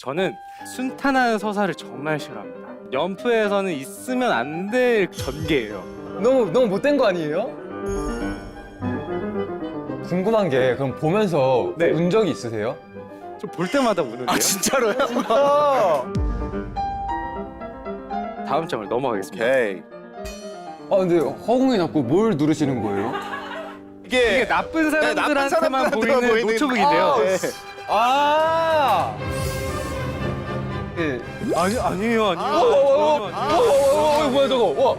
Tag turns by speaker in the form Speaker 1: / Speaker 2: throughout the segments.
Speaker 1: 저는 순탄한 서사를 정말 싫어합니다. 연프에서는 있으면 안 될 전개예요.
Speaker 2: 너무 못된 거 아니에요? 궁금한 게 그럼 보면서
Speaker 1: 네.
Speaker 2: 운 적이 있으세요?
Speaker 1: 저 볼 때마다 우는데요.
Speaker 3: 아 진짜로요?
Speaker 1: 다음 장을 넘어가겠습니다.
Speaker 3: 오케이.
Speaker 2: 아 근데 허공에 자꾸 뭘 누르시는 거예요?
Speaker 1: 이게 나쁜 사람들한테만
Speaker 3: 사람들한테만
Speaker 1: 보이는
Speaker 3: 보이는-
Speaker 1: 노트북인데요.
Speaker 3: 네.
Speaker 2: 아! 예.
Speaker 1: 아니에요.
Speaker 2: 뭐야 저거? 와.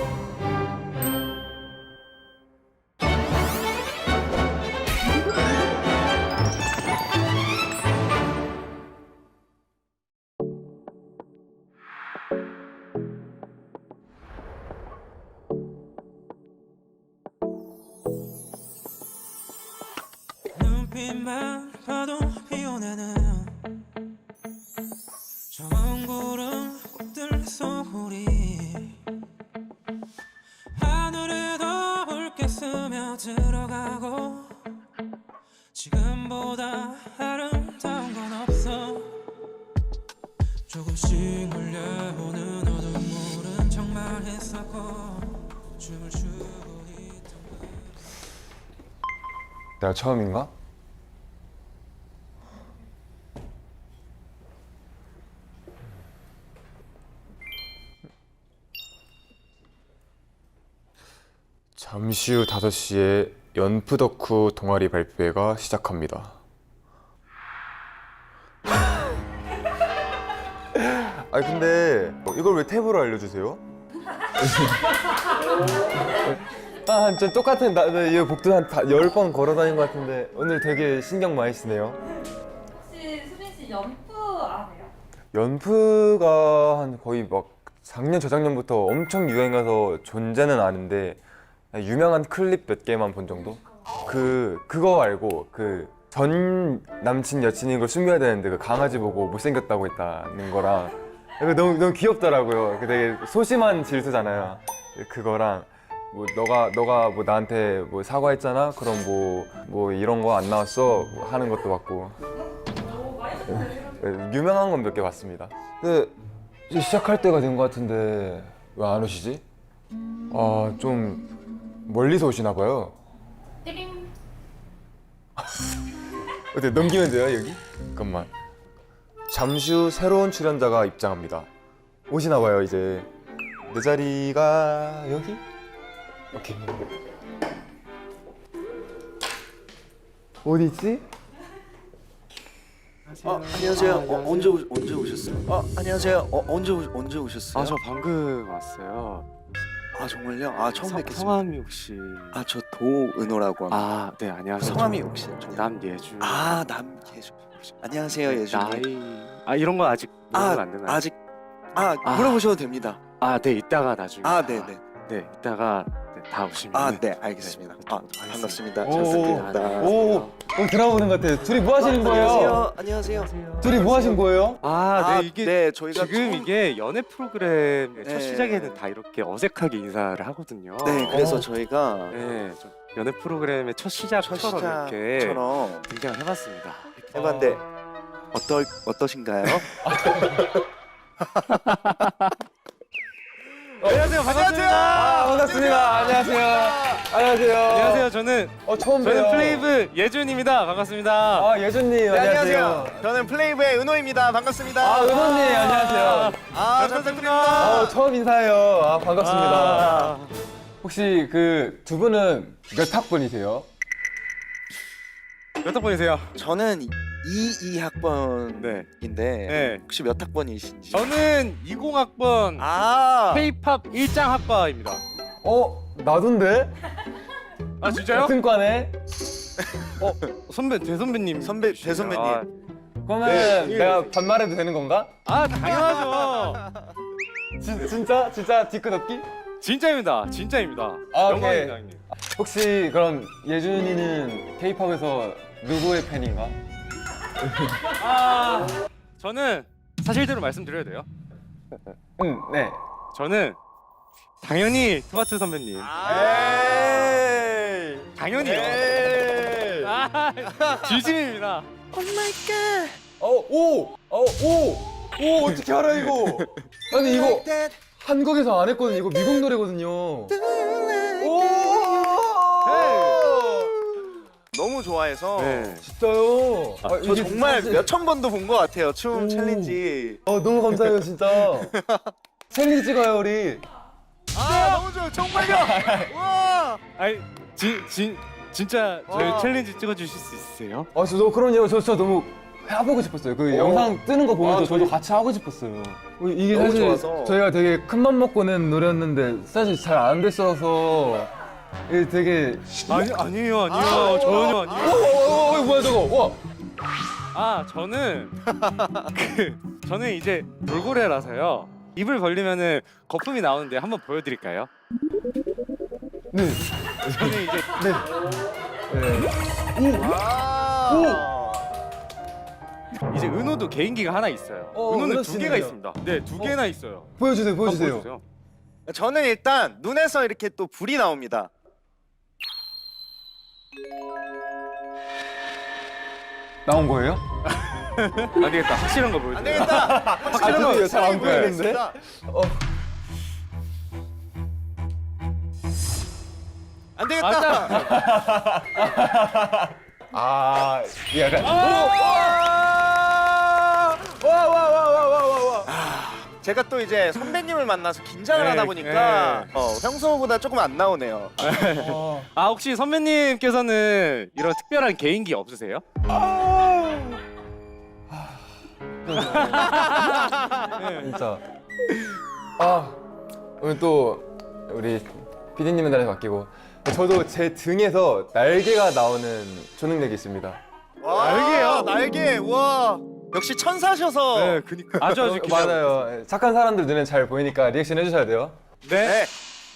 Speaker 4: 눈빛만 봐도 피어나는 저먼 구름 꽃들 소리 하늘에도 붉게 스며들어가고 지금보다 아름다운 건 없어 조금씩 몰려오는 어둠물은 정말 했었고 춤을 추고 있던
Speaker 2: 내가 처음인가? 잠시 후 5시에 연프 덕후 동아리 발표회가 시작합니다. 아니 근데 이걸 왜 탭으로 알려주세요? 아, 저 똑같은 이 복도 한 10번 걸어 다닌 것 같은데 오늘 되게 신경 많이 쓰네요.
Speaker 5: 혹시 수빈 씨 연프 아세요?
Speaker 2: 연프가 한 거의 막 작년 저작년부터 엄청 유행해서 존재는 아는데 유명한 클립 몇 개만 본 정도? 그거 알고 그 전 남친 여친인 걸 숨겨야 되는데 그 강아지 보고 못생겼다고 했다는 거랑 이거 너무 귀엽더라고요. 그 되게 소심한 질투잖아요. 그거랑 뭐 너가 뭐 나한테 뭐 사과했잖아? 그럼 뭐 이런 거 안 나왔어? 뭐 하는 것도 봤고 유명한 건 몇 개 봤습니다. 근데 이제 시작할 때가 된 것 같은데 왜 안 오시지? 아, 좀 멀리서 오시나 봐요.
Speaker 5: 띠링.
Speaker 2: 어때, 넘기면 돼요, 여기? 잠깐만. 잠시 후 새로운 출연자가 입장합니다. 오시나 봐요, 이제. 내 자리가 여기? 오케이. 어디 있지?
Speaker 3: 안녕하세요. 언제 오셨어요? 안녕하세요. 언제 오셨어요?
Speaker 1: 아, 저 방금 왔어요.
Speaker 3: 아, 정말요? 아, 처음 뵙겠습니다.
Speaker 1: 성함이 혹시?
Speaker 3: 아, 저 도은호라고 합니다.
Speaker 1: 아, 네, 안녕하세요.
Speaker 3: 성함이 혹시?
Speaker 1: 저 남예주.
Speaker 3: 아, 남예주. 안녕하세요, 예주님.
Speaker 1: 나이. 아, 이런 건 아직 물어보면 안 되나요?
Speaker 3: 아직
Speaker 1: 아.
Speaker 3: 물어보셔도 됩니다.
Speaker 1: 아, 네, 이따가 나중에.
Speaker 3: 아, 네네.
Speaker 1: 네, 이따가 다 오시면.
Speaker 3: 아, 네, 알겠습니다. 아, 반갑습니다. 잘
Speaker 2: 오,
Speaker 3: 부탁드립니다.
Speaker 2: 오, 들어보는 것 같아요. 둘이 뭐 하시는 거예요?
Speaker 3: 안녕하세요.
Speaker 2: 둘이 뭐 하신 거예요?
Speaker 1: 아, 네, 이게
Speaker 3: 네, 저희가
Speaker 1: 지금
Speaker 3: 처음-
Speaker 1: 이게 연애 프로그램 첫
Speaker 3: 네.
Speaker 1: 시작에는 다 이렇게 어색하게 인사를 하거든요.
Speaker 3: 네, 그래서 저희가
Speaker 1: 네, 좀 연애 프로그램의 첫 시작처럼 이렇게
Speaker 3: 시작처럼
Speaker 1: 등장을 해봤습니다.
Speaker 3: 해봤는데 어떠신가요?
Speaker 1: 안녕하세요, 반갑습니다.
Speaker 2: 반갑습니다. 안녕하세요. 안녕하세요.
Speaker 1: 안녕하세요, 저는
Speaker 2: 처음 봬요.
Speaker 1: 플레이브 예준입니다. 반갑습니다.
Speaker 2: 아, 예준님, 안녕하세요.
Speaker 3: 저는 플레이브의 은호입니다. 반갑습니다.
Speaker 2: 아, 은호님, 안녕하세요.
Speaker 3: 잘 부탁드립니다.
Speaker 2: 처음 인사해요. 아, 반갑습니다.
Speaker 1: 아,
Speaker 2: 혹시 그 두 분은 몇 학번이세요?
Speaker 1: 몇 학번이세요?
Speaker 3: 저는 22학번인데
Speaker 1: 네.
Speaker 3: 혹시 몇 학번이신지?
Speaker 1: 저는 20학번 K-팝 일장학과입니다.
Speaker 2: 나도인데?
Speaker 1: 아, 진짜요?
Speaker 2: 같은 과네?
Speaker 1: 대선배님.
Speaker 3: 대선배님.
Speaker 2: 그러면
Speaker 1: 네.
Speaker 2: 내가 반말해도 되는 건가?
Speaker 1: 아, 당연하죠.
Speaker 2: 진짜 뒤끝없기?
Speaker 1: 진짜입니다.
Speaker 2: 아, 오케이.
Speaker 1: 영광입니다, 형님.
Speaker 2: 혹시 그럼 예준이는 K-팝에서 누구의 팬인가?
Speaker 1: 저는 사실대로 말씀드려야 돼요.
Speaker 2: 네.
Speaker 1: 저는 당연히 트와트 선배님. 당연히요. 진심입니다.
Speaker 2: 오 어떻게 알아 이거? 아니 이거 한국에서 안 했거든요. 이거 미국 노래거든요. 오.
Speaker 3: 너무 좋아해서
Speaker 1: 네.
Speaker 2: 진짜요?
Speaker 3: 저
Speaker 2: 이게
Speaker 3: 정말
Speaker 2: 사실-
Speaker 3: 몇천 번도 본 것 같아요. 춤 챌린지.
Speaker 2: 너무 감사해요 진짜. 챌린지 찍어요 우리.
Speaker 3: 너무 좋아요. 정말요. 와.
Speaker 1: 아니 진짜 저희
Speaker 3: 와.
Speaker 1: 챌린지 찍어주실 수 있으세요?
Speaker 2: 저 그럼요. 저 진짜 너무 해보고 싶었어요. 그 영상 뜨는 거 보면서 저도 같이 하고 싶었어요. 이게
Speaker 3: 너무
Speaker 2: 사실
Speaker 3: 좋아서.
Speaker 2: 저희가 되게 큰 맘 먹고 낸 노래였는데 사실 잘 안 됐어서 이게 되게
Speaker 1: 아니에요 전혀 아니에요.
Speaker 2: 뭐야 저거? 와.
Speaker 1: 저는 저는 이제 돌고래라서요. 입을 벌리면은 거품이 나오는데 한번 보여드릴까요?
Speaker 2: 네.
Speaker 1: 저는 이제 이제 은호도 개인기가 하나 있어요. 은호는
Speaker 2: 은호
Speaker 1: 두 개가
Speaker 2: 씨는요?
Speaker 1: 있습니다. 네, 두 개나 있어요.
Speaker 2: 보여주세요.
Speaker 1: 한번
Speaker 2: 보여주세요.
Speaker 1: 보여주세요.
Speaker 3: 저는 일단 눈에서 이렇게 또 불이 나옵니다.
Speaker 2: 나온 거예요?
Speaker 1: 안 되겠다. 확실한 거 보여줘요.
Speaker 3: 안 되겠다. 확실한 거
Speaker 2: 죄송해요. 잘안
Speaker 3: 보여야겠습니다.
Speaker 2: 보이는데?
Speaker 3: 안 되겠다.
Speaker 2: 이게 약간
Speaker 3: 제가 또 이제 선배님을 만나서 긴장을
Speaker 1: 네,
Speaker 3: 하다 보니까 평소보다 조금 안 나오네요.
Speaker 1: 혹시 선배님께서는 이런 특별한 개인기 없으세요?
Speaker 2: 진짜. 오늘 또 우리 PD님의 날에 바뀌고 저도 제 등에서 날개가 나오는 초능력이 있습니다.
Speaker 3: 날개요? 날개. 와. 역시 천사셔서.
Speaker 1: 네, 그니까 아주 기대하고
Speaker 2: 맞아요. 착한 사람들 눈에 잘 보이니까 리액션 해주셔야 돼요.
Speaker 1: 네.
Speaker 3: 네.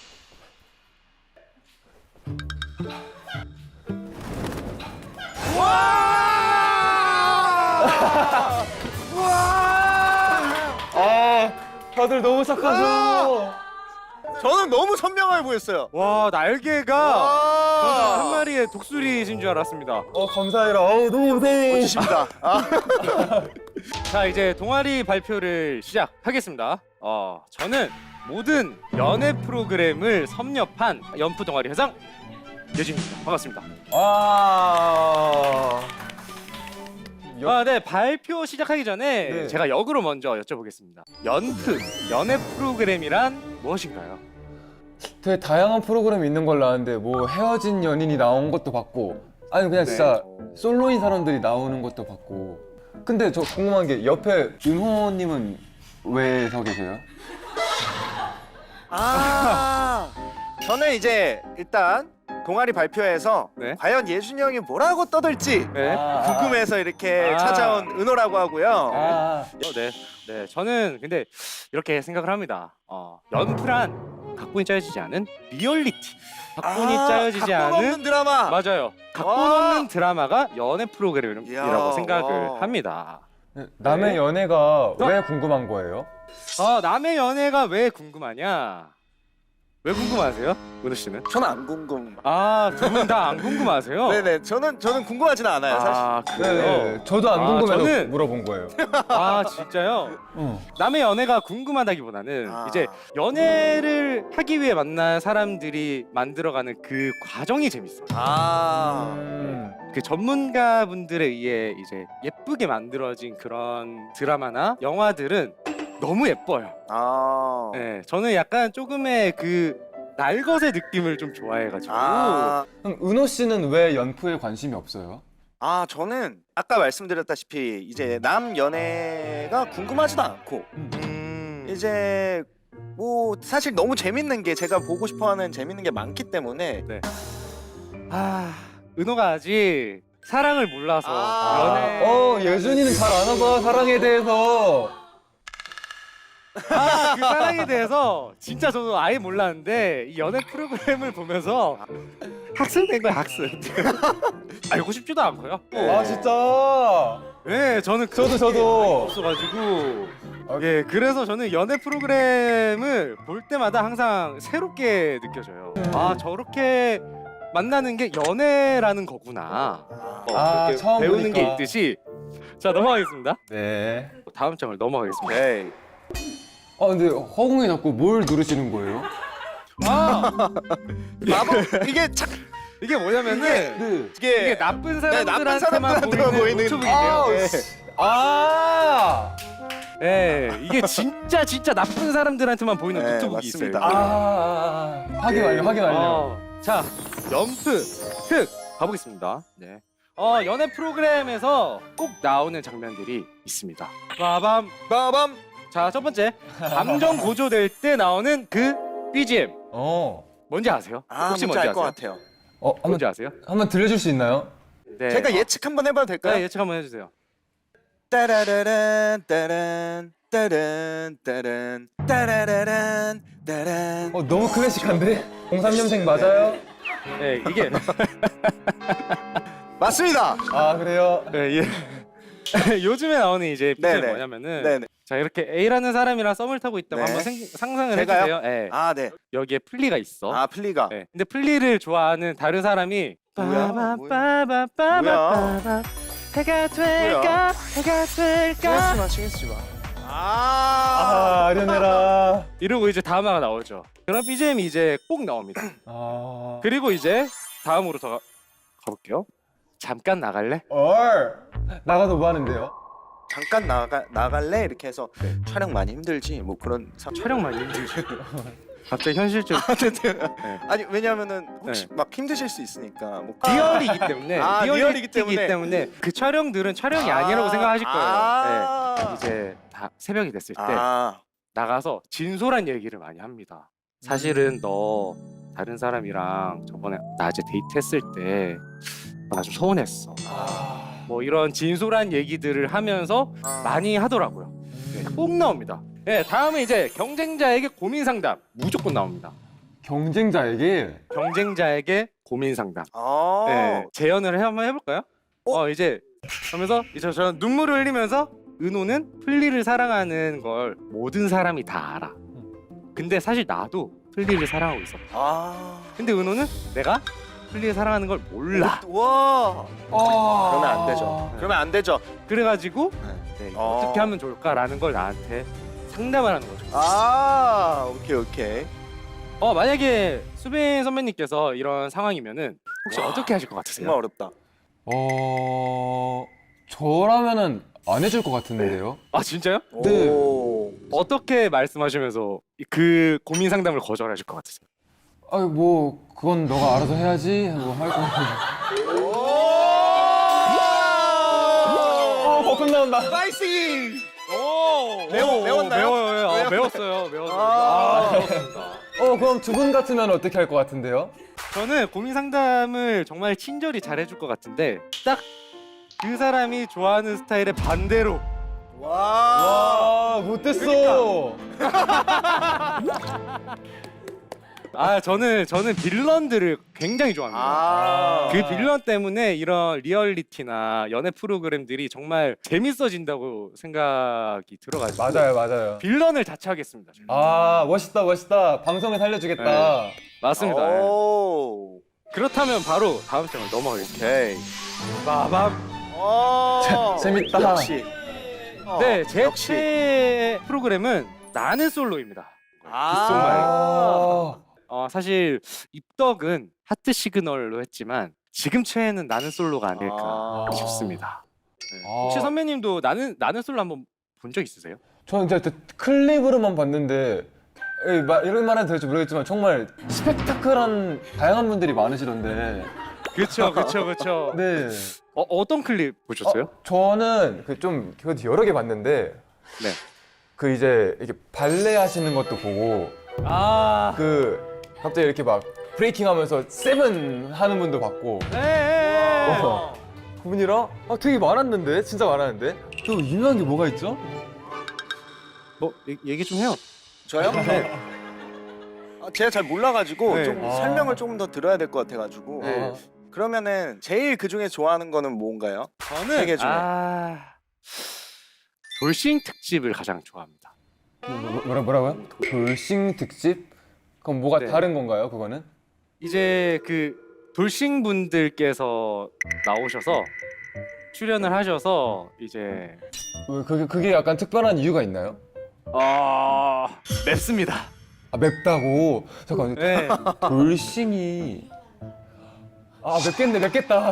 Speaker 2: 다들 너무 착하셔.
Speaker 3: 저는 너무 선명하게 보였어요.
Speaker 1: 와 날개가 저는 한 마리의 독수리이신 줄 알았습니다.
Speaker 2: 감사해라. 너무 감사해.
Speaker 3: 멋지십니다.
Speaker 1: 자 이제 동아리 발표를 시작하겠습니다. 저는 모든 연애 프로그램을 섭렵한 연프 동아리 회장 여진입니다. 반갑습니다. 네 발표 시작하기 전에
Speaker 2: 네.
Speaker 1: 제가 역으로 먼저 여쭤보겠습니다. 연프 연애 프로그램이란 무엇인가요?
Speaker 2: 되게 다양한 프로그램이 있는 걸로 아는데 뭐 헤어진 연인이 나온 것도 봤고 아니 그냥 진짜 솔로인 사람들이 나오는 것도 봤고 근데 저 궁금한 게 옆에 윤호님은 왜 서 계세요?
Speaker 3: 저는 이제 일단 동아리 발표에서
Speaker 1: 네.
Speaker 3: 과연 예준이 형이 뭐라고 떠들지
Speaker 1: 네.
Speaker 3: 궁금해서 이렇게 찾아온 은호라고 하고요.
Speaker 1: 네. 저는 근데 이렇게 생각을 합니다. 연프란 각본이 짜여지지 않은 리얼리티. 각본이 짜여지지
Speaker 3: 각본
Speaker 1: 않은
Speaker 3: 없는 드라마.
Speaker 1: 맞아요. 각본
Speaker 3: 와.
Speaker 1: 없는 드라마가 연애 프로그램이라고
Speaker 3: 이야,
Speaker 1: 생각을
Speaker 3: 와.
Speaker 1: 합니다.
Speaker 2: 남의
Speaker 1: 네.
Speaker 2: 연애가 왜 궁금한 거예요?
Speaker 1: 남의 연애가 왜 궁금하냐? 왜 궁금하세요, 은호 씨는?
Speaker 3: 저는 안 궁금.
Speaker 1: 두 분 다 안 궁금하세요?
Speaker 3: 네네. 저는 궁금하지는 않아요, 사실.
Speaker 1: 그래요?
Speaker 2: 저도 안 궁금해서
Speaker 1: 저는-
Speaker 2: 물어본 거예요.
Speaker 1: 진짜요? 남의 연애가 궁금하다기보다는 이제 연애를 하기 위해 만난 사람들이 만들어가는 그 과정이 재밌어요. 그 전문가분들에 의해 이제 예쁘게 만들어진 그런 드라마나 영화들은 너무 예뻐요. 네, 저는 약간 조금의 그 날것의 느낌을 좀 좋아해가지고.
Speaker 2: 그럼 은호 씨는 왜 연프에 관심이 없어요?
Speaker 3: 저는 아까 말씀드렸다시피 이제 남 연애가 궁금하지도 않고 이제 뭐 사실 너무 재밌는 게 제가 보고 싶어하는 재밌는 게 많기 때문에
Speaker 1: 은호가 아직 사랑을 몰라서 연애.
Speaker 2: 예준이는 잘 아나 봐 사랑에 대해서.
Speaker 1: 그 사랑에 대해서 진짜 저도 아예 몰랐는데 이 연애 프로그램을 보면서 학습된 거야 학습. 알고 싶지도 않고요.
Speaker 2: 진짜.
Speaker 1: 네, 저는
Speaker 2: 저도.
Speaker 1: 없어가지고 그래서 저는 연애 프로그램을 볼 때마다 항상 새롭게 느껴져요. 저렇게 만나는 게 연애라는 거구나. 이렇게
Speaker 2: 처음
Speaker 1: 배우는 게
Speaker 2: 보니까.
Speaker 1: 있듯이 자 넘어가겠습니다.
Speaker 2: 네.
Speaker 1: 다음 장을 넘어가겠습니다.
Speaker 3: 오케이.
Speaker 2: 아 근데 허공에 자꾸 뭘 누르시는 거예요?
Speaker 3: 마법 이게 착
Speaker 1: 이게 뭐냐면은
Speaker 2: 네.
Speaker 1: 이게 나쁜 사람들한테만
Speaker 3: 사람들한테만
Speaker 1: 보이는
Speaker 3: 보이는
Speaker 1: 노트북이에요.
Speaker 3: 네.
Speaker 2: 아.
Speaker 1: 예, 이게 진짜 나쁜 사람들한테만 보이는
Speaker 3: 네,
Speaker 1: 노트북이
Speaker 3: 맞습니다.
Speaker 1: 있어요.
Speaker 2: 확인 완료. 확인 완료.
Speaker 1: 자, 연프 특 가보겠습니다. 네. 연애 프로그램에서 꼭 나오는 장면들이 있습니다. 빠밤.
Speaker 3: 빠밤.
Speaker 1: 자, 첫 번째 감정 고조될 때 나오는 그 BGM 뭔지 아세요?
Speaker 3: 뭔지 알 것 같아요.
Speaker 1: 뭔지 아세요?
Speaker 2: 한번 들려줄 수 있나요?
Speaker 1: 네.
Speaker 3: 제가 예측 한번 해봐도 될까요?
Speaker 1: 네, 예측 한번 해주세요.
Speaker 3: 따라라란 따란 따란 따란 따라라란 따란.
Speaker 2: 너무 클래식한데? 03년생 맞아요?
Speaker 1: 네, 이게
Speaker 3: 맞습니다.
Speaker 2: 아 그래요?
Speaker 1: 네, 예. 요즘에 나오는 이제 BGM
Speaker 3: 네네.
Speaker 1: 뭐냐면은
Speaker 3: 네네.
Speaker 1: 자 이렇게 A라는 사람이랑 썸을 타고 있다고
Speaker 3: 네.
Speaker 1: 한번 상상을
Speaker 3: 제가요?
Speaker 1: 해주세요. 네.
Speaker 3: 아 네.
Speaker 1: 여기에 플리가 있어.
Speaker 3: 아 플리가.
Speaker 1: 네. 근데 플리를 좋아하는 다른 사람이
Speaker 3: 뭐야?
Speaker 1: 빠바바바바바바바 해가 될까 해가 될까
Speaker 3: 신경 쓰지 마. 아.
Speaker 2: 아련해라.
Speaker 1: 이러고 이제 다음화가 나오죠. 그런 BGM이 이제 꼭 나옵니다. 그리고 이제 다음으로 더 가볼게요. 잠깐 나갈래?
Speaker 2: 나가도 뭐 하는데요?
Speaker 3: 잠깐 나갈래 이렇게 해서 촬영 많이 힘들지 뭐 그런
Speaker 1: 촬영 많이 힘들죠. 갑자기 현실적으로
Speaker 3: 아니 왜냐면은 혹시
Speaker 1: 네.
Speaker 3: 막 힘드실 수 있으니까 뭐
Speaker 1: 리얼이기 때문에
Speaker 3: 리얼이기 때문에
Speaker 1: 그 촬영들은 촬영이 아니라고 생각하실 거예요. 네. 이제 다 새벽이 됐을 때 나가서 진솔한 얘기를 많이 합니다. 사실은 너 다른 사람이랑 저번에 낮에 데이트했을 때 나 좀 서운했어. 뭐 이런 진솔한 얘기들을 하면서 많이 하더라고요. 네, 꼭 나옵니다. 네, 다음은 이제 경쟁자에게 고민 상담 무조건 나옵니다.
Speaker 2: 경쟁자에게?
Speaker 1: 경쟁자에게 고민 상담.
Speaker 3: 아.
Speaker 1: 네, 재연을 한번 해볼까요? 이제 하면서 이제 저는 눈물을 흘리면서 은호는 플리를 사랑하는 걸 모든 사람이 다 알아. 근데 사실 나도 플리를 사랑하고 있어. 근데 은호는 내가 플리를 사랑하는 걸 몰라.
Speaker 3: 와. 그러면 안 되죠. 그러면 안 되죠.
Speaker 1: 그래가지고 네, 어떻게 하면 좋을까라는 걸 나한테 상담을 하는 거죠.
Speaker 3: 오케이.
Speaker 1: 만약에 수빈 선배님께서 이런 상황이면은 혹시 어떻게 하실 것 같으세요?
Speaker 3: 정말 어렵다.
Speaker 2: 저라면은 안 해줄 것 같은데요?
Speaker 1: 아 진짜요?
Speaker 2: 네.
Speaker 3: 오.
Speaker 1: 어떻게 말씀하시면서 그 고민 상담을 거절하실 것 같으세요?
Speaker 2: 뭐 그건 너가 알아서 해야지 하고 할 거예요. 버튼 나온다.
Speaker 3: 파이팅!
Speaker 1: 매웠나요? 매워요. 매웠어요. 매웠습니다.
Speaker 2: 그럼 두 분 같으면 어떻게 할 것 같은데요?
Speaker 1: 저는 고민 상담을 정말 친절히 잘 해줄 것 같은데 딱 그 사람이 좋아하는 스타일의 반대로
Speaker 3: 와.
Speaker 2: 못됐어.
Speaker 1: 저는 빌런들을 굉장히 좋아합니다. 그 빌런 때문에 이런 리얼리티나 연애 프로그램들이 정말 재밌어진다고 생각이 들어가지고
Speaker 2: 맞아요.
Speaker 1: 빌런을 자처하겠습니다. 제가.
Speaker 2: 멋있다. 방송에 살려주겠다.
Speaker 1: 맞습니다. 예.
Speaker 3: 오.
Speaker 1: 그렇다면 바로 다음 장을 넘어가겠습니다.
Speaker 3: 오케이.
Speaker 1: 빠밤.
Speaker 2: 재밌다.
Speaker 3: 역시.
Speaker 1: 네, 제
Speaker 3: 역시.
Speaker 1: 최애 프로그램은 나는 솔로입니다. 사실 입덕은 하트 시그널로 했지만 지금 최애는 나는 솔로가 아닐까 싶습니다. 혹시 선배님도 나는 솔로 한번 본 적 있으세요?
Speaker 2: 저는 진짜 클립으로만 봤는데 이런 말은 될지 모르겠지만 정말 스펙타클한 다양한 분들이 많으시던데.
Speaker 1: 그렇죠.
Speaker 2: 네.
Speaker 1: 어떤 클립 보셨어요?
Speaker 2: 저는 좀 여러 개 봤는데
Speaker 1: 네.
Speaker 2: 그 이제 이렇게 발레 하시는 것도 보고 갑자기 이렇게 막 브레이킹하면서 세븐 하는 분도 봤고 그분이랑 되게 많았는데 진짜 많았는데 또 유명한 게 뭐가 있죠?
Speaker 1: 뭐 얘기 좀 해요.
Speaker 3: 저요?
Speaker 1: 네.
Speaker 3: 제가 잘 몰라가지고
Speaker 1: 네.
Speaker 3: 좀 설명을 조금 더 들어야 될 것 같아가지고.
Speaker 1: 네.
Speaker 3: 그러면은 제일 그 중에 좋아하는 거는 뭔가요?
Speaker 1: 저는
Speaker 3: 세개 중에.
Speaker 1: 돌싱 특집을 가장 좋아합니다.
Speaker 2: 뭐라고요? 돌싱 특집? 그럼 뭐가
Speaker 1: 네.
Speaker 2: 다른 건가요? 그거는?
Speaker 1: 이제 그 돌싱 분들께서 나오셔서 출연을 하셔서 이제
Speaker 2: 그게 약간 특별한 이유가 있나요?
Speaker 1: 맵습니다.
Speaker 2: 아 맵다고? 잠깐
Speaker 1: 네.
Speaker 2: 돌싱이 맵겠다.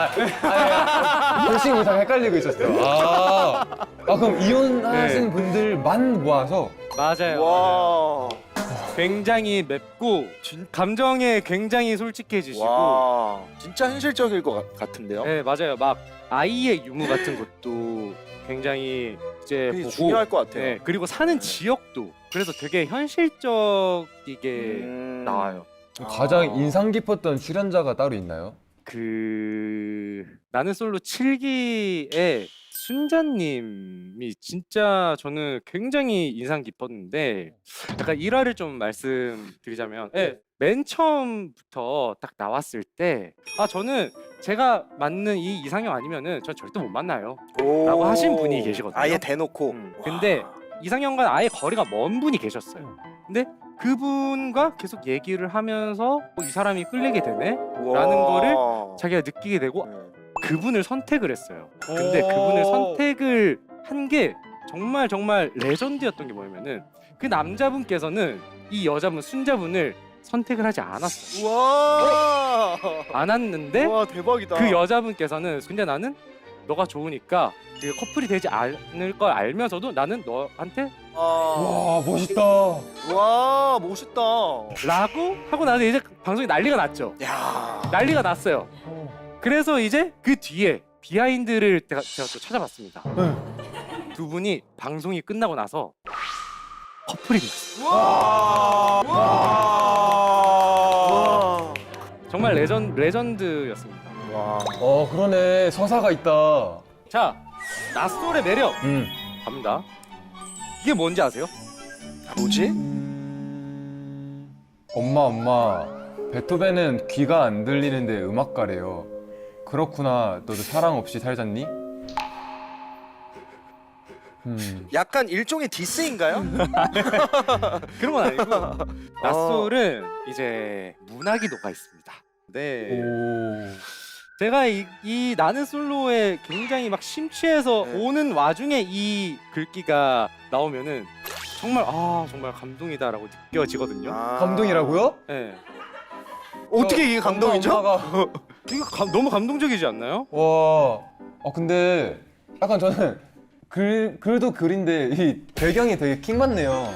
Speaker 2: 돌싱이 다 헷갈리고 있었어. 그럼 이혼하신
Speaker 1: 네.
Speaker 2: 분들만 모아서
Speaker 1: 맞아요.
Speaker 3: 와.
Speaker 1: 굉장히 맵고 감정에 굉장히 솔직해지시고
Speaker 3: 와. 진짜 현실적일 것 같은데요.
Speaker 1: 네 맞아요. 막 아이의 유무 같은 것도 굉장히 이제
Speaker 3: 그게
Speaker 1: 보고
Speaker 3: 중요할 것 같아요.
Speaker 1: 네, 그리고 사는 지역도 그래서 되게 현실적이게 나와요.
Speaker 2: 가장 인상 깊었던 출연자가 따로 있나요?
Speaker 1: 나는 솔로 7기의 순자님이 진짜 저는 굉장히 인상 깊었는데 약간 일화를 좀 말씀드리자면 맨 처음부터 딱 나왔을 때 저는 제가 맞는 이 이상형 아니면은 전 절대 못 만나요. 라고 하신 분이 계시거든요.
Speaker 3: 아예 대놓고.
Speaker 1: 근데 이상형과는 아예 거리가 먼 분이 계셨어요. 근데 그분과 계속 얘기를 하면서 이 사람이 끌리게 되네? 라는 거를 자기가 느끼게 되고 그분을 선택을 했어요. 근데 그분을 선택을 한 게 정말 정말 레전드였던 게 뭐냐면은 그 남자분께서는 이 여자분 순자분을 선택을 하지 않았어요.
Speaker 3: 와.
Speaker 1: 않았는데
Speaker 3: 와 대박이다.
Speaker 1: 그 여자분께서는 근데 나는 너가 좋으니까 그 커플이 되지 않을 걸 알면서도 나는 너한테
Speaker 2: 와 멋있다.
Speaker 3: 와 멋있다.
Speaker 1: 라고 하고 나서 이제 방송이 난리가 났죠.
Speaker 3: 야.
Speaker 1: 난리가 났어요. 그래서 이제 그 뒤에 비하인드를 제가 또 찾아봤습니다. 두 분이 방송이 끝나고 나서 커플이 됐어요.
Speaker 3: 와.
Speaker 1: 정말 레전드였습니다.
Speaker 3: 와.
Speaker 2: 그러네. 서사가 있다.
Speaker 1: 자, 낯솔의 매력
Speaker 2: 음.
Speaker 1: 갑니다. 이게 뭔지 아세요?
Speaker 3: 뭐지?
Speaker 2: 엄마. 베토벤은 귀가 안 들리는데 음악가래요. 그렇구나. 너도 사랑 없이 살잖니?
Speaker 3: 약간 일종의 디스인가요?
Speaker 1: 그런 건 아니고 낯솔은 이제 문학이 녹아 있습니다. 네. 제가 이 나는 솔로에 굉장히 막 심취해서
Speaker 3: 네.
Speaker 1: 오는 와중에 이 글귀가 나오면은 정말 정말 감동이다라고 느껴지거든요.
Speaker 2: 감동이라고요?
Speaker 1: 네.
Speaker 3: 어떻게 이게 감동이죠?
Speaker 2: 엄마가...
Speaker 1: 이거 너무 감동적이지 않나요?
Speaker 2: 와. 근데 약간 저는 글도 글인데 이 배경이 되게 킹 받네요.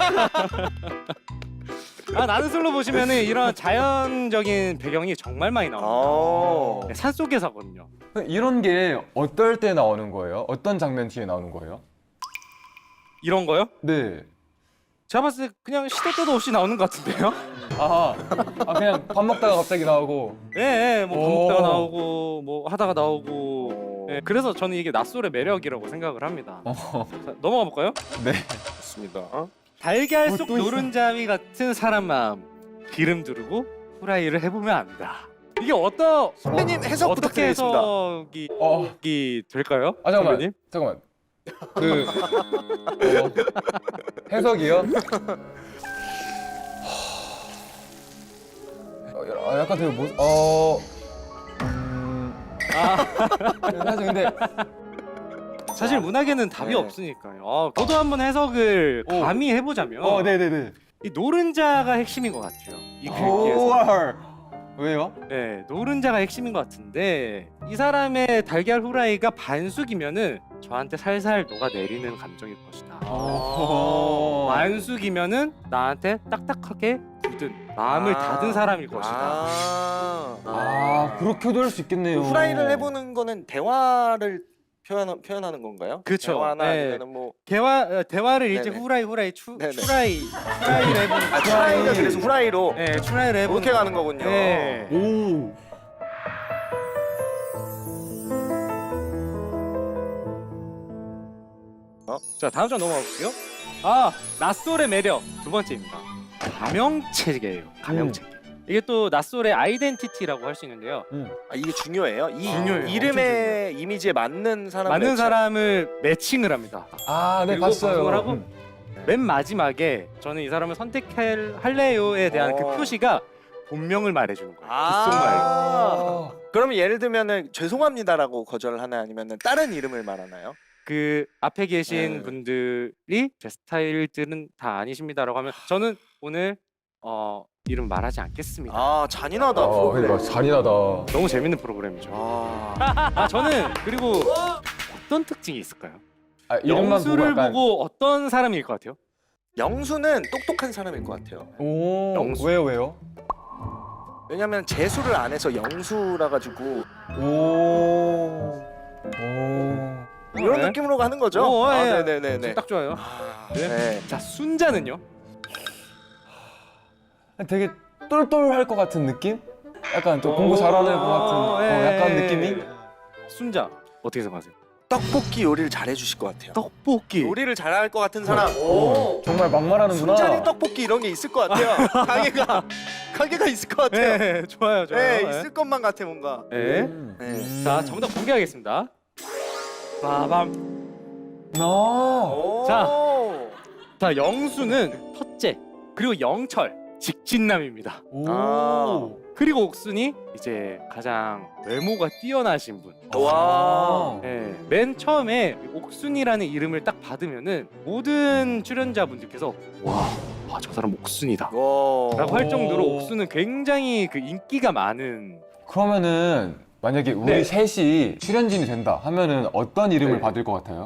Speaker 1: 나는 솔로 보시면은 이런 자연적인 배경이 정말 많이 나옵니다. 네, 산속에서 하거든요.
Speaker 2: 이런 게 어떨 때 나오는 거예요? 어떤 장면 뒤에 나오는 거예요?
Speaker 1: 이런 거요?
Speaker 2: 네.
Speaker 1: 제가 봤을 때 그냥 시도 때도 없이 나오는 것 같은데요?
Speaker 2: 그냥 밥 먹다가 갑자기 나오고.
Speaker 1: 네, 뭐 밥 먹다가 나오고 뭐 하다가 나오고. 네, 그래서 저는 이게 낯솔의 매력이라고 생각을 합니다. 자, 넘어가 볼까요?
Speaker 2: 네.
Speaker 3: 좋습니다.
Speaker 1: 달걀 속
Speaker 2: 또 있어.
Speaker 1: 노른자위 같은 사람 마음 기름 두르고 후라이를 해보면 안다. 이게 어떤
Speaker 3: 선배님 해석
Speaker 1: 어떻게
Speaker 3: 부탁드리겠습니다.
Speaker 1: 해석이 될까요?
Speaker 2: 잠깐만.
Speaker 1: 선배님?
Speaker 2: 해석이요? 약간 되게 사실 근데
Speaker 1: 사실 문학에는 답이
Speaker 3: 네.
Speaker 1: 없으니까요. 저도 한번 해석을 감히 해보자면
Speaker 2: 네네네.
Speaker 1: 이 노른자가 핵심인 것 같아요. 이 글귀에서.
Speaker 2: 왜요?
Speaker 1: 네, 노른자가 핵심인 것 같은데 이 사람의 달걀 후라이가 반숙이면은 저한테 살살 녹아내리는 감정일 것이다. 완숙이면은 나한테 딱딱하게 굳은 마음을 닫은 사람일 것이다.
Speaker 2: 그렇게도 할 수 있겠네요.
Speaker 3: 후라이를 해보는 거는 대화를 표현하는 건가요?
Speaker 1: 그쵸.
Speaker 3: 대화나
Speaker 1: 네.
Speaker 3: 아니면 뭐
Speaker 1: 대화를 이제
Speaker 3: 네네.
Speaker 1: 후라이를
Speaker 3: 네네.
Speaker 1: 추라이를 해보는
Speaker 3: 추라이가 그래서 후라이로
Speaker 1: 네, 추라이를 해보는
Speaker 3: 그렇게 가는 거군요.
Speaker 1: 네.
Speaker 2: 오.
Speaker 1: 자, 다음 장 넘어가 볼게요. 낯솔의 매력 두 번째입니다. 가명체계예요. 가명체계. 이게 또 낯솔의 아이덴티티라고 할 수 있는데요.
Speaker 3: 이게 중요해요. 이
Speaker 1: 중요해요.
Speaker 3: 이름의 이미지에 맞는 사람
Speaker 1: 맞는 사람을 매칭을 합니다.
Speaker 2: 네,
Speaker 1: 그리고
Speaker 2: 봤어요.
Speaker 1: 방송을 하고 맨 마지막에 저는 이 사람을 선택할래요에 대한 그 표시가 본명을 말해주는 거예요. 귓속말.
Speaker 3: 그러면 예를 들면은 죄송합니다라고 거절을 하나 아니면은 다른 이름을 말하나요?
Speaker 1: 그 앞에 계신
Speaker 3: 네.
Speaker 1: 분들이 제 스타일들은 다 아니십니다라고 하면 저는 오늘 이름 말하지 않겠습니다.
Speaker 3: 아 잔인하다. 프로그램.
Speaker 2: 그러니까 잔인하다.
Speaker 1: 너무 재밌는 프로그램이죠.
Speaker 3: 아.
Speaker 1: 저는 그리고 어떤 특징이 있을까요?
Speaker 2: 아, 이름만 보고
Speaker 1: 영수를
Speaker 2: 약간
Speaker 1: 보고 어떤 사람일 것 같아요?
Speaker 3: 영수는 똑똑한 사람일 것 같아요.
Speaker 2: 오,
Speaker 1: 영수.
Speaker 2: 왜요?
Speaker 3: 왜냐면 재수를 안 해서 영수라 가지고
Speaker 2: 오.
Speaker 3: 이런
Speaker 1: 네.
Speaker 3: 느낌으로 가는 거죠.
Speaker 1: 예.
Speaker 3: 네네네네.
Speaker 1: 딱 좋아요. 네.
Speaker 3: 네.
Speaker 1: 자, 순자는요?
Speaker 2: 되게 똘똘할 것 같은 느낌? 약간 좀 공부 잘하는 것 같은 약간 느낌이?
Speaker 1: 순자 어떻게 생각하세요?
Speaker 3: 떡볶이 요리를 잘해 주실 것 같아요.
Speaker 1: 떡볶이.
Speaker 3: 요리를 잘할 것 같은 사람.
Speaker 2: 정말 막말하는구나.
Speaker 3: 순자리 떡볶이 이런 게 있을 것 같아요. 가게가 있을 것 같아요.
Speaker 1: 네, 좋아요.
Speaker 3: 네, 있을 것만 같아 뭔가.
Speaker 1: 네.
Speaker 3: 네.
Speaker 1: 자, 정답 공개하겠습니다. 빠밤.
Speaker 3: 오.
Speaker 1: 자, 영수는 첫째, 그리고 영철, 직진남입니다.
Speaker 3: 아.
Speaker 1: 그리고 옥순이 이제 가장 외모가 뛰어나신 분.
Speaker 3: 와.
Speaker 1: 네, 맨 처음에 옥순이라는 이름을 딱 받으면은 모든 출연자분들께서 와, 저 사람 옥순이다
Speaker 3: 와.
Speaker 1: 라고 할 정도로 옥순은 굉장히 그 인기가 많은.
Speaker 2: 그러면은 만약에 우리
Speaker 1: 네.
Speaker 2: 셋이 출연진이 된다 하면은 어떤 이름을
Speaker 1: 네.
Speaker 2: 받을 것 같아요?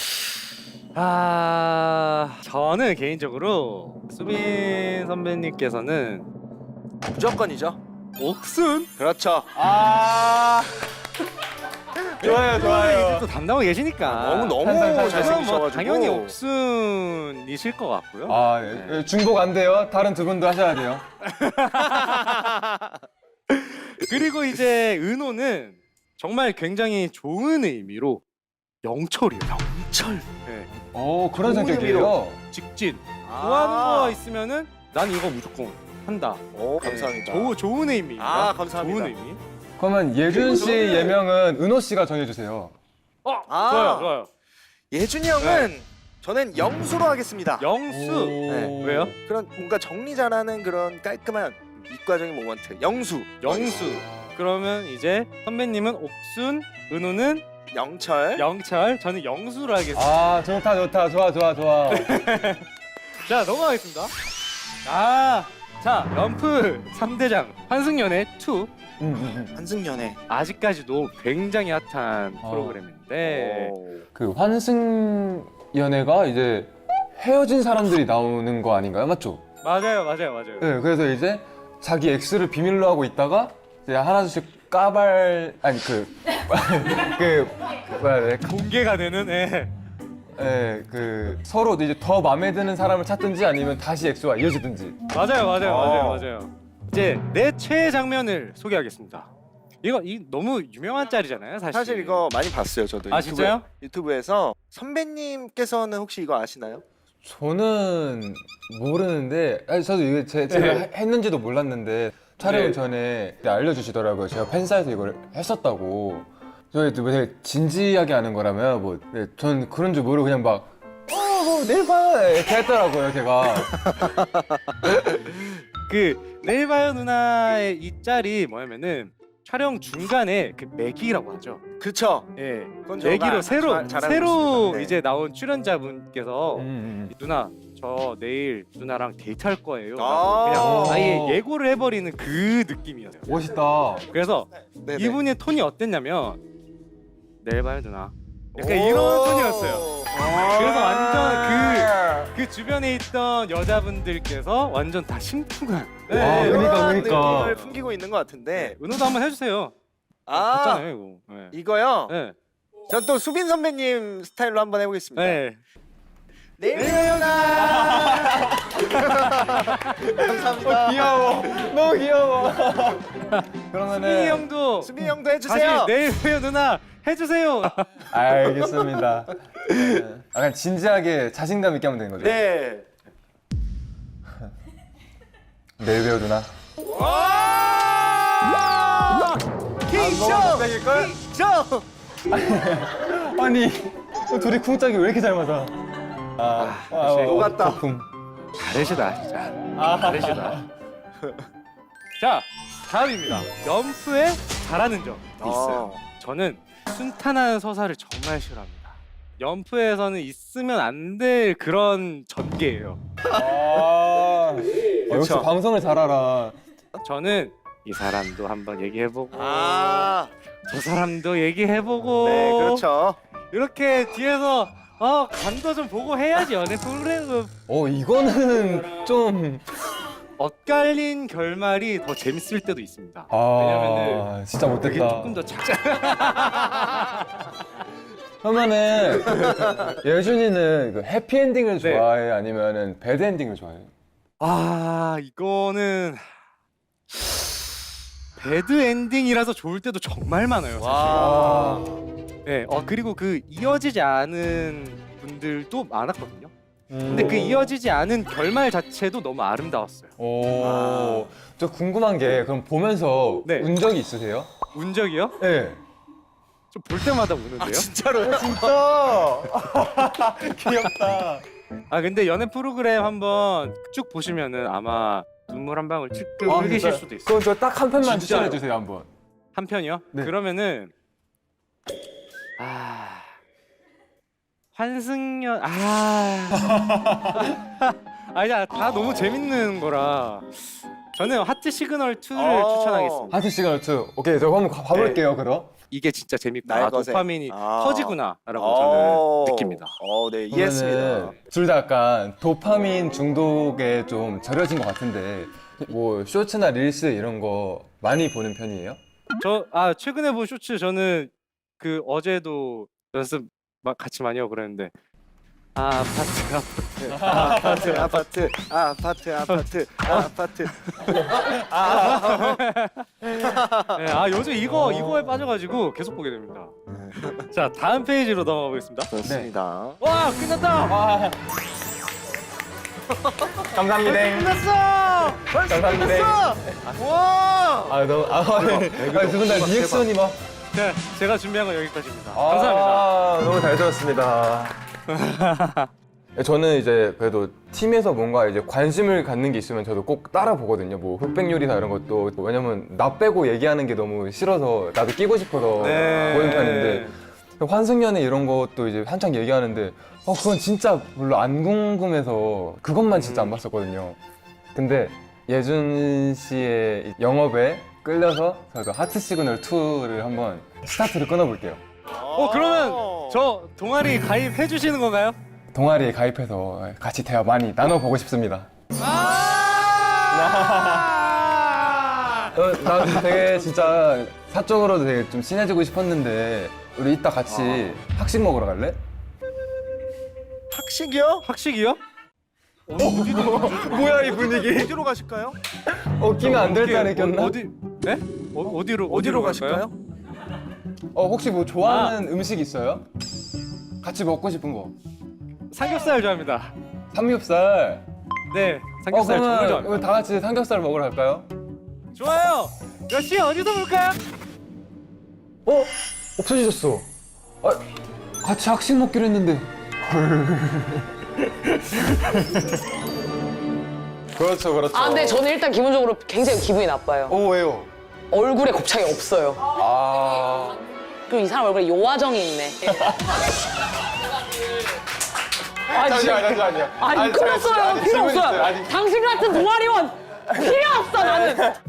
Speaker 1: 저는 개인적으로 수빈 선배님께서는
Speaker 3: 무조건이죠.
Speaker 1: 옥순.
Speaker 3: 그렇죠.
Speaker 2: 좋아요.
Speaker 1: 또 담당하고 계시니까
Speaker 3: 너무
Speaker 2: 항상
Speaker 1: 그럼
Speaker 3: 잘생기셔가지고.
Speaker 1: 뭐 당연히 옥순이실 것 같고요.
Speaker 2: 아, 예. 중복 안 돼요. 다른 두 분도 하셔야 돼요.
Speaker 1: 그리고 이제 은호는 정말 굉장히 좋은 의미로 영철이에요. 영철. 네.
Speaker 2: 오, 그런
Speaker 3: 좋은
Speaker 2: 성격이에요.
Speaker 1: 직진. 좋아하는 거 있으면은 난 이거 무조건 한다.
Speaker 3: 오, 감사합니다.
Speaker 1: 좋은 의미입니다.
Speaker 3: 아, 감사합니다.
Speaker 1: 좋은 의미.
Speaker 2: 그러면 예준 씨 예명은 은호 씨가 정해주세요.
Speaker 1: 좋아요.
Speaker 3: 예준이 형은 저는 영수로 하겠습니다.
Speaker 1: 영수.
Speaker 3: 네.
Speaker 1: 왜요?
Speaker 3: 그런 뭔가 정리 잘하는 그런 깔끔한 이과적인 모먼트. 영수.
Speaker 1: 영수. 그러면 이제 선배님은 옥순, 은호는
Speaker 3: 영철.
Speaker 1: 영철, 저는 영수로 하겠습니다.
Speaker 2: 아, 좋다. 좋아.
Speaker 1: 자, 넘어가겠습니다. 자, 연프 3대장 환승연애 2.
Speaker 3: 한승연애.
Speaker 1: 아직까지도 굉장히 핫한 프로그램인데
Speaker 2: 그 환승 연애가 이제 헤어진 사람들이 나오는 거 아닌가요? 맞죠?
Speaker 1: 맞아요.
Speaker 2: 네, 그래서 이제 자기 엑스를 비밀로 하고 있다가 이제 하나둘씩 까발 아니 뭐야 해?
Speaker 1: 공개가 되는
Speaker 2: 그 서로 이제 더 마음에 드는 사람을 찾든지 아니면 다시 엑스와 이어지든지.
Speaker 1: 맞아요. 이제 내 최애 장면을 소개하겠습니다. 이 너무 유명한 짤이잖아요, 사실.
Speaker 3: 사실 이거 많이 봤어요, 저도.
Speaker 1: 진짜요?
Speaker 3: 유튜브에서 선배님께서는 혹시 이거 아시나요?
Speaker 2: 저는 모르는데 저도 이게 제가 했는지도 몰랐는데 촬영
Speaker 1: 네.
Speaker 2: 전에 알려주시더라고요. 제가 팬사에서 이걸 했었다고. 저희 또 되게 진지하게 하는 거라면 전 그런 줄 모르고 그냥 막 내일 봐 이렇게 했더라고요, 제가.
Speaker 1: 그 내일 봐요 누나의 이 짤이 뭐냐면은 촬영 중간에 그 매기라고 하죠.
Speaker 3: 그쵸.
Speaker 1: 예.
Speaker 3: 그건 저가
Speaker 1: 매기로 새로
Speaker 3: 잘하고
Speaker 1: 새로
Speaker 3: 있습니다. 네.
Speaker 1: 이제 나온 출연자분께서 누나 저 내일 누나랑 데이트할 거예요. 라고 그냥 아예 예고를 해버리는 그 느낌이었어요.
Speaker 2: 멋있다.
Speaker 1: 그래서
Speaker 3: 네네.
Speaker 1: 이분의 톤이 어땠냐면 내일 봐요 누나. 약간 이런 톤이었어요. 그래서 완전 그 주변에 있던 여자분들께서 완전 다 심쿵한.
Speaker 2: 그러니까.
Speaker 3: 느낌을 풍기고 있는 것 같은데.
Speaker 1: 은호도 한번 해주세요. 했잖아요 이거. 네.
Speaker 3: 이거요.
Speaker 1: 네.
Speaker 3: 전 또 수빈 선배님 스타일로 한번 해보겠습니다.
Speaker 1: 네.
Speaker 3: 내일 봐요나. 감사합니다.
Speaker 2: 귀여워. 너무 귀여워.
Speaker 1: 수빈이
Speaker 2: 그러면은
Speaker 1: 형도
Speaker 3: 수빈 형도
Speaker 1: 다시
Speaker 3: 해주세요.
Speaker 1: 내일 봐요 누나 해주세요.
Speaker 2: 알겠습니다. 약간 진지하게 자신감 있게 하면 되는 거죠?
Speaker 3: 네.
Speaker 2: 내일 배우 누나.
Speaker 3: 킹쇼.
Speaker 2: 아니 둘이 쿵짝이 왜 이렇게 잘 맞아?
Speaker 3: 녹았다.
Speaker 2: 거품.
Speaker 1: 다르시다 진짜. 다르시다. 자, 다음입니다. 연프에 잘하는 점 있어요. 저는 순탄한 서사를 정말 싫어합니다. 연프에서는 있으면 안 될 그런 전개예요.
Speaker 2: 역시
Speaker 3: 그쵸.
Speaker 2: 방송을 잘 알아.
Speaker 1: 저는 이 사람도 한번 얘기해보고
Speaker 3: 아,
Speaker 1: 저 사람도 얘기해보고
Speaker 3: 네, 그렇죠.
Speaker 1: 이렇게 뒤에서 간도 좀 보고 해야지 연애 프로그램.
Speaker 2: 이거는 좀.
Speaker 1: 엇갈린 결말이 더 재밌을 때도 있습니다. 왜냐면은
Speaker 2: 진짜
Speaker 1: 그게
Speaker 2: 못됐다.
Speaker 1: 조금 더 작자.
Speaker 2: 그러면은 예준이는 그 해피엔딩을
Speaker 1: 네.
Speaker 2: 좋아해? 아니면은 배드엔딩을 좋아해?
Speaker 1: 이거는 배드 엔딩이라서 좋을 때도 정말 많아요. 사실.
Speaker 3: 와.
Speaker 1: 네, 그리고 그 이어지지 않은 분들도 많았거든요. 근데 그 이어지지 않은 결말 자체도 너무 아름다웠어요.
Speaker 2: 저 궁금한 게 그럼 보면서
Speaker 1: 네.
Speaker 2: 운 적이 있으세요?
Speaker 1: 운 적이요?
Speaker 2: 네.
Speaker 1: 좀 볼 때마다 우는데요?
Speaker 3: 진짜로요?
Speaker 2: 진짜 귀엽다.
Speaker 1: 근데 연애 프로그램 한번 쭉 보시면은 아마 눈물 한 방울 찔끔 흘리실 수도 있어요.
Speaker 2: 그럼 저 딱 한 편만
Speaker 1: 진짜요?
Speaker 2: 추천해 주세요 한번.
Speaker 1: 한 편이요?
Speaker 2: 네.
Speaker 1: 그러면은 환승연 아니야, 다 너무 재밌는 거라 저는 하트 시그널 2를 추천하겠습니다.
Speaker 2: 하트 시그널 2. 오케이, 저 한번 봐볼게요 그럼.
Speaker 1: 이게 진짜 재밌다.
Speaker 3: 나의 것에.
Speaker 1: 도파민이
Speaker 3: 아.
Speaker 1: 터지구나라고 저는 느낍니다.
Speaker 3: 네, 이해했습니다.
Speaker 2: 둘 다 약간 도파민 중독에 좀 절여진 것 같은데 뭐 쇼츠나 릴스 이런 거 많이 보는 편이에요?
Speaker 1: 저 최근에 본 쇼츠 저는 그 어제도 연습 막 같이 많이 하고 그랬는데 아파트 네, 요즘 이거에 빠져가지고 계속 보게 됩니다. 자, 다음 페이지로 넘어가 보겠습니다.
Speaker 3: 좋습니다.
Speaker 1: 와, 끝났다.
Speaker 2: 감사합니다.
Speaker 1: 끝났어.
Speaker 2: 감사합니다.
Speaker 3: 와!
Speaker 2: 두 분 다 리액션이 막.
Speaker 1: 네, 제가 준비한 건 여기까지입니다. 감사합니다.
Speaker 2: 너무 잘 들었습니다. 저는 이제 그래도 팀에서 뭔가 이제 관심을 갖는 게 있으면 저도 꼭 따라 보거든요. 뭐 흑백 요리사 이런 것도. 왜냐면 나 빼고 얘기하는 게 너무 싫어서 나도 끼고 싶어서
Speaker 1: 네.
Speaker 2: 보는 편인데 환승연애 이런 것도 이제 한창 얘기하는데 그건 진짜 별로 안 궁금해서 그것만 진짜 안 봤었거든요. 근데 예준 씨의 영업에 끌려서 저도 하트 시그널 2를 한번 스타트를 끊어볼게요.
Speaker 1: 그러면 저 동아리 가입해 주시는 건가요?
Speaker 2: 동아리에 가입해서 같이 대화 많이 나눠보고 싶습니다. 나 되게 진짜 사적으로도 되게 좀 친해지고 싶었는데 우리 이따 같이 학식 먹으러 갈래?
Speaker 3: 학식이요?
Speaker 1: 학식이요?
Speaker 2: 뭐야 이 분위기?
Speaker 3: 어디로 가실까요?
Speaker 2: 끼면 안 될 때 꼈나?
Speaker 1: 네? 어디로
Speaker 3: 가실까요?
Speaker 2: 혹시 뭐 좋아하는 음식 있어요? 같이 먹고 싶은 거?
Speaker 1: 삼겹살 좋아합니다.
Speaker 2: 삼겹살.
Speaker 1: 네, 삼겹살 정말
Speaker 2: 그러면
Speaker 1: 좋아합니다.
Speaker 2: 우리 다 같이 삼겹살 먹으러 갈까요?
Speaker 1: 좋아요. 몇 시에 어디서 볼까요?
Speaker 2: 없어지셨어. 같이 학식 먹기로 했는데. 그렇죠, 그렇죠.
Speaker 6: 근데 저는 일단 기본적으로 굉장히 기분이 나빠요.
Speaker 2: 왜요?
Speaker 6: 얼굴에 곱창이 없어요. 그리고 이 사람 얼굴에 요화정이 있네.
Speaker 2: 잠시만요.
Speaker 6: 아니, 끊었어요. 필요 없어요. 당신 같은 동아리원 필요 없어, 나는.